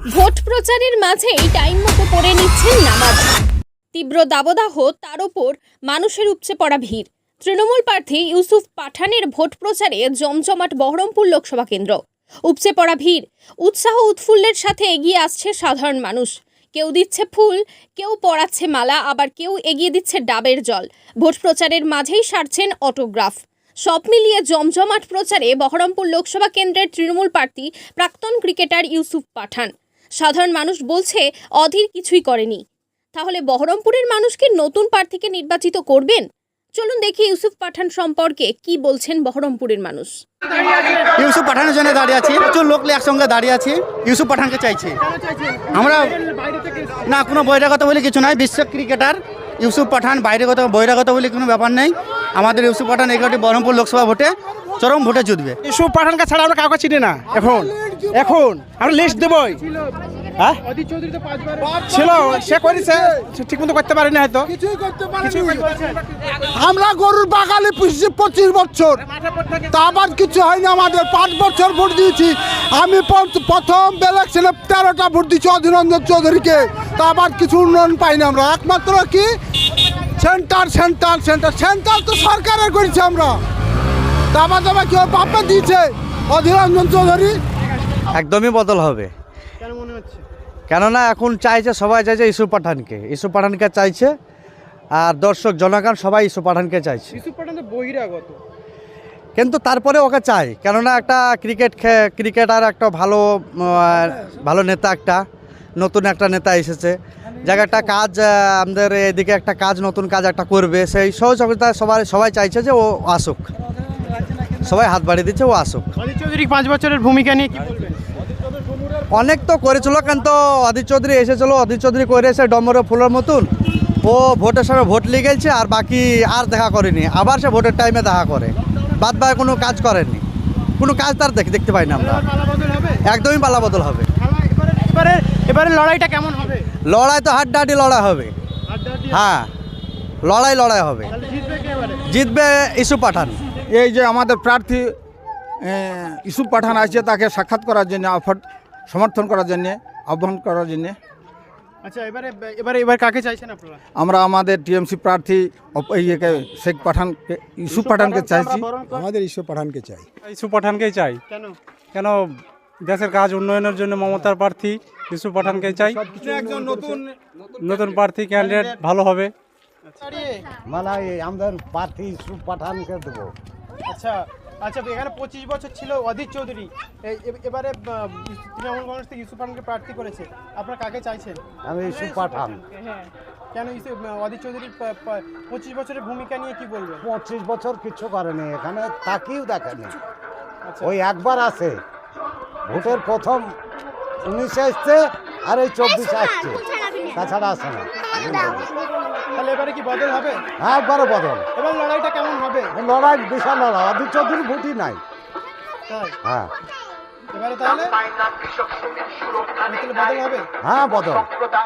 Vote প্রচারের মাঝেই time মতো পড়ে নিচ্ছেন নামাজ। তীব্র দাবদাহ, তার ওপর মানুষের উপচে পড়া ভিড়। তৃণমূল প্রার্থী ইউসুফ পাঠানের ভোট প্রচারে জমজমাট বহরমপুর লোকসভা কেন্দ্র। উপচে পড়া ভিড়, উৎসাহ উৎফুল্লের সাথে এগিয়ে আসছে সাধারণ মানুষ। কেউ দিচ্ছে ফুল, কেউ পরাচ্ছে মালা, আবার কেউ এগিয়ে দিচ্ছে ডাবের জল। ভোট প্রচারের মাঝেই সারছেন অটোগ্রাফ। সব মিলিয়ে জমজমাট প্রচারে বহরমপুর লোকসভা কেন্দ্রের তৃণমূল প্রার্থী প্রাক্তন ক্রিকেটার ইউসুফ পাঠান। সাধারণ মানুষ বলছে অধীর কিছুই করেনি। তাহলে বহরমপুরের মানুষ কি নতুন প্রার্থীকে নির্বাচিত করবেন? চলুন দেখি ইউসুফ পাঠান সম্পর্কে কি বলছেন বহরমপুরের মানুষ। ইউসুফ পাঠানের জন্য দাঁড়িয়ে আছি, প্রচুর লোক একসঙ্গে দাঁড়িয়ে আছি। ইউসুফ পাঠানকে চাইছি আমরা। না, কোনো বহিরাগত বলে কিছু নাই। বিশ্ব ক্রিকেটার ইউসুফ পাঠান বহিরাগত বলে কোনো ব্যাপার নেই। আমাদের ইউসুফ পাঠান এগারোটি বহরমপুর লোকসভা ভোটে চরম ভোটে জিতবে। ইউসুফ পাঠানকে ছাড়া আমরা কাউকে চিনি না। এখন আমরা লিস্ট দেবই। হ্যাঁ ছিল, সে করেছে, ঠিক মতো করতে পারেনি হয়তো। আমরা গরুর বাগালে পুষছি 25 বছর, তা আবার কিছু হয়নি। আমাদের 5 বছর ভোট দিয়েছি। আমি প্রথম ইলেকশনে 13টা ভোট দিচ্ছি অধীররঞ্জন চৌধুরীকে, তা আবার কিছু উন্নয়ন পাইনি আমরা। একমাত্র কি সেন্টার তো সরকারের করেছি আমরা, তা আবার কেউ বাপে দিয়েছে অধীররঞ্জন চৌধুরী। একদমই বদল হবে। কেননা এখন চাইছে, সবাই চাইছে ইউসুফ পাঠানকে চাইছে। আর দর্শক জনগণ সবাই ইউসুফ পাঠানকে চাইছে। বহিরাগত কিন্তু তারপরে ওকে চাই, কেননা একটা ক্রিকেটার একটা ভালো নেতা, একটা নতুন একটা নেতা এসেছে, জায়গাটা কাজ আমাদের এদিকে একটা কাজ, নতুন কাজ একটা করবে, সেই সহযোগিতা সবাই চাইছে যে ও আসুক। সবাই হাত বাড়িয়ে দিচ্ছে, ও আসুক। অধীর চৌধুরী 5 বছরের ভূমিকা নিয়ে কি বলবেন? অনেক তো করেছিল, কিন্তু অধীর চৌধুরী এসেছিলো, অধীর চৌধুরী করেছে ডমরে ফুলের মতন। ও ভোটের সময় ভোট লিয়ে গেছে, আর বাকি আর দেখা করেনি। আবার সে ভোটের টাইমে দেখা করে, বাদ বাকি কোনো কাজ করেনি। কোনো কাজ তার দেখতে পাই না আমরা। একদমই পালা বদল হবে। এবারে লড়াইটা কেমন হবে? লড়াই তো হাড্ডাহাড্ডি লড়াই হবে। হ্যাঁ, লড়াই হবে। জিতবে ইউসুফ পাঠান। এই যে আমাদের প্রার্থী ইউসুফ পাঠান আছে, তাকে সাক্ষাৎ করার জন্য, সমর্থন করার জন্য, আহ্বান করার জন্য। আচ্ছা, এবার কাকে চাইছেন আপনারা? আমরা আমাদের টিএমসি প্রার্থী শেখ পাঠানকে, ইউসুফ পাঠানকে চাইছি। আমাদের ইউসুফ পাঠানকে চাই। ইউসুফ পাঠানকেই চাই। কেন দেশের কাজ উন্নয়নের জন্য মমতার প্রার্থী ইউসুফ পাঠানকেই চাই। একজন নতুন প্রার্থী ক্যান্ডিডেট ভালো হবে। মানে আমাদের প্রার্থী ইউসুফ পাঠানকে দেবো। আচ্ছা, এখানে 25 বছর ছিল অধীর চৌধুরী, এবারে তৃণমূল কংগ্রেস থেকে ইউসুফ পাঠানকে প্রার্থী করেছে। আপনারা কাকে চাইছেন? আমি ইউসুফ পাঠান। হ্যাঁ, কেন অধীর চৌধুরী 25 বছরের ভূমিকা নিয়ে কি বলবেন? 25 বছর কিছু করেনি, এখানে তাকিয়েও দেখেনি। আচ্ছা, ওই একবার আসে, ভোটের প্রথম 19 আসছে, আর এই 24 আসছে, তাছাড়া আসে না। তাহলে এবারে কি বদল হবে? হ্যাঁ, একবারে বদল। এবার লড়াইটা কেমন হবে? লড়াই বিশাল লড়াই, অধীর চৌধুরী ভোটই নাই। তাই হ্যাঁ, এবারে তাহলে বদল হবে? হ্যাঁ বদল।